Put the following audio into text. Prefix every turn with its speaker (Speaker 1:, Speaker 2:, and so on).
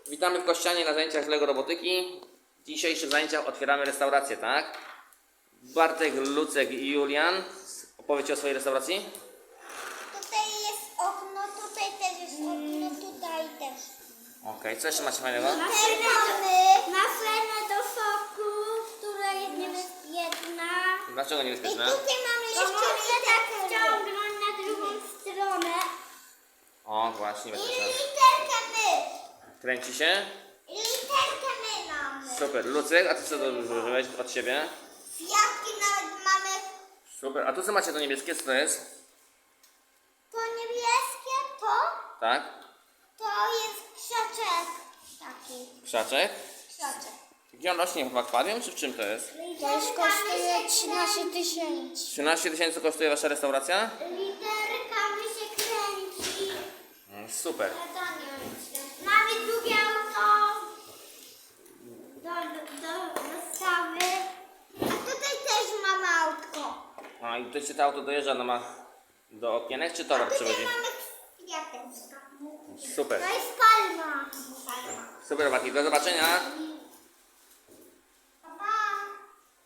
Speaker 1: Witamy w Kościanie na zajęciach z Lego Robotyki. W dzisiejszych zajęciach otwieramy restaurację, tak? Bartek, Lucek i Julian. Opowiedzcie o swojej restauracji.
Speaker 2: Tutaj jest okno, tutaj też jest okno, tutaj też.
Speaker 1: Okej, co jeszcze macie fajnego?
Speaker 2: Ma fermę do soku, która jest niebezpieczna.
Speaker 1: Dlaczego
Speaker 2: I
Speaker 1: niebezpieczne?
Speaker 2: tutaj mamy jeszcze literkę wciągnąć na drugą stronę.
Speaker 1: O, właśnie,
Speaker 2: I
Speaker 1: niebezpieczne.
Speaker 2: literkę my.
Speaker 1: Kręci się?
Speaker 2: I literkę my mamy.
Speaker 1: Super. Lucek, a ty co zużyłeś od siebie?
Speaker 2: Kwiatki nawet mamy.
Speaker 1: Super. A tu co macie to niebieskie? Co to jest?
Speaker 2: To niebieskie,
Speaker 1: Tak?
Speaker 2: to jest krzaczek. Taki
Speaker 1: Krzaczek?
Speaker 2: krzaczek.
Speaker 1: Gdzie on rośnie? W akwarium, czy w czym to jest?
Speaker 2: To już kosztuje 13 000.
Speaker 1: 13 000 kosztuje wasza restauracja?
Speaker 2: Literkami się kręci.
Speaker 1: Super.
Speaker 2: Mamy drugie auto do wystawy. A tutaj też mamy autko.
Speaker 1: A i tutaj się to auto dojeżdża, no ma do okienek, czy towar
Speaker 2: Tutaj
Speaker 1: przychodzi?
Speaker 2: mamy kwiateczka.
Speaker 1: Super.
Speaker 2: To jest palma.
Speaker 1: Super, Mati. Do zobaczenia.